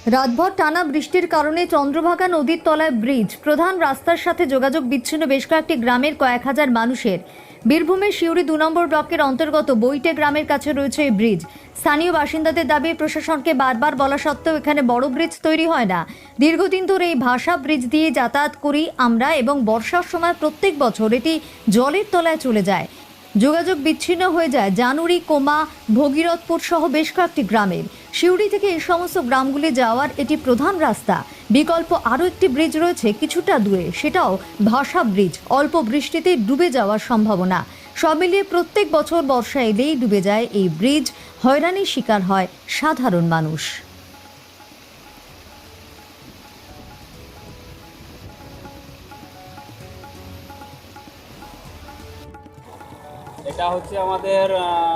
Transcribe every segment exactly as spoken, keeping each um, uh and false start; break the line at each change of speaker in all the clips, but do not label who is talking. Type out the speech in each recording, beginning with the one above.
রাতভর টানা বৃষ্টির কারণে চন্দ্রভাগা নদীর তলায় ব্রিজ প্রধান রাস্তার সাথে যোগাযোগ বিচ্ছিন্ন বেশ কয়েকটি গ্রামের কয়েক হাজার মানুষের। বীরভূমের সিউড়ি দু নম্বর ব্লকের অন্তর্গত বইটে গ্রামের কাছে রয়েছে এই ব্রিজ। স্থানীয় বাসিন্দাদের দাবি, প্রশাসনকে বারবার বলা সত্ত্বেও এখানে বড় ব্রিজ তৈরি হয় না। দীর্ঘদিন ধরে এই ভাষা ব্রিজ দিয়ে যাতায়াত করি আমরা এবং বর্ষার সময় প্রত্যেক বছর এটি জলের তলায় চলে যায়। যোগাযোগ বিচ্ছিন্ন হয়ে যায় জানুরি, কোমা, ভগীরথপুর সহ বেশ কয়েকটি গ্রামের। সিউড়ি থেকে এই সমস্ত গ্রামগুলি যাওয়ার এটি প্রধান রাস্তা। বিকল্প আরও একটি ব্রিজ রয়েছে কিছুটা দূরে, সেটাও ভাষা ব্রিজ। অল্প বৃষ্টিতে ডুবে যাওয়ার সম্ভাবনা। সব মিলিয়ে প্রত্যেক বছর বর্ষা এলেই ডুবে যায় এই ব্রিজ। হয়রানির শিকার হয় সাধারণ মানুষ।
এটা হচ্ছে আমাদের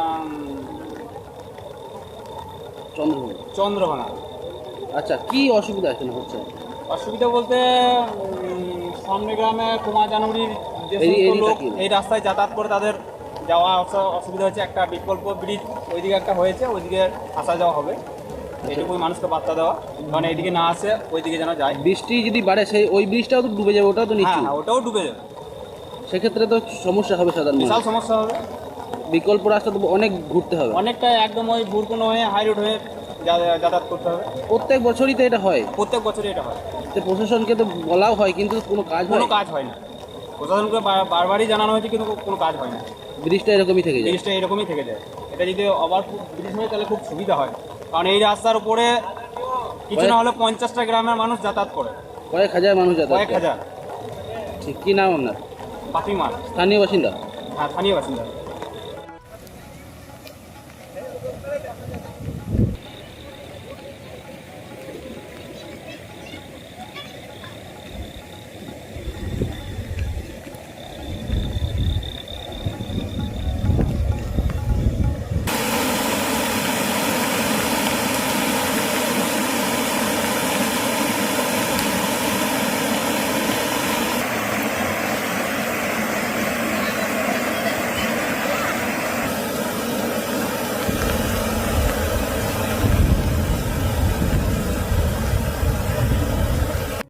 চন্দ্রভাগা।
চন্দ্রভাঙা।
আচ্ছা, কি অসুবিধা এখানে হচ্ছে?
অসুবিধা বলতে উম, সামনে গ্রামে কুমার জানুরির যে
এই-
সমস্ত
এই
লোক
রাস্তা কি?
এই রাস্তায় যাতায়াত করে তাদের যাওয়া আসা অসুবিধা হচ্ছে। একটা বিকল্প ব্রিজ ওইদিকে একটা হয়েছে, ওইদিকে আসা যাওয়া হবে। এইটুকুই মানুষকে বার্তা দেওয়া, কারণ এইদিকে না আসে ওইদিকে যেন যায়।
বৃষ্টি যদি বাড়ে সেই ওই ব্রিজটাও তো ডুবে যাবে, ওটাও তো
হ্যাঁ
নিশ্চয়।
হ্যাঁ, ওটাও ডুবে যাবে,
সেক্ষেত্রে তো সমস্যা হবে সাধারণ
বিশাল
মানুষ।
সমস্যা হবে।
বিকল্প রাস্তা তো অনেক ঘুরতে হবে।
অনেকটা একদম ওই বুরকুনো হয়ে হাই রোড হয়ে যা- যাতায়াত করতে হবে।
প্রত্যেক বছরই তো এটা হয়।
প্রত্যেক বছরই এটা হয়,
তো প্রশাসনকে তো বলাও হয়, কিন্তু কোনো কাজ হয়
কোনো
না।
কাজ হয় না। প্রশাসনকে বার- বারবারই জানানো হয়েছে, কিন্তু কোনো কাজ হয় না।
ব্রিজটা এরকমই থেকে যায়।
জিনিসটা এরকমই থেকে যায়। এটা যদি আবার খুব ব্রিজ হয় তাহলে খুব সুবিধা হয়, কারণ এই রাস্তার উপরে কিছু না হলে পঞ্চাশটা গ্রামের মানুষ যাতায়াত করে,
কয়েক হাজার মানুষ যাতায়াত
কয়েক
করে।
হাজার।
ঠিক, কি নাম আপনার?
পাখিমার,
স্থানীয় বাসিন্দা?
হ্যাঁ স্থানীয় বাসিন্দা।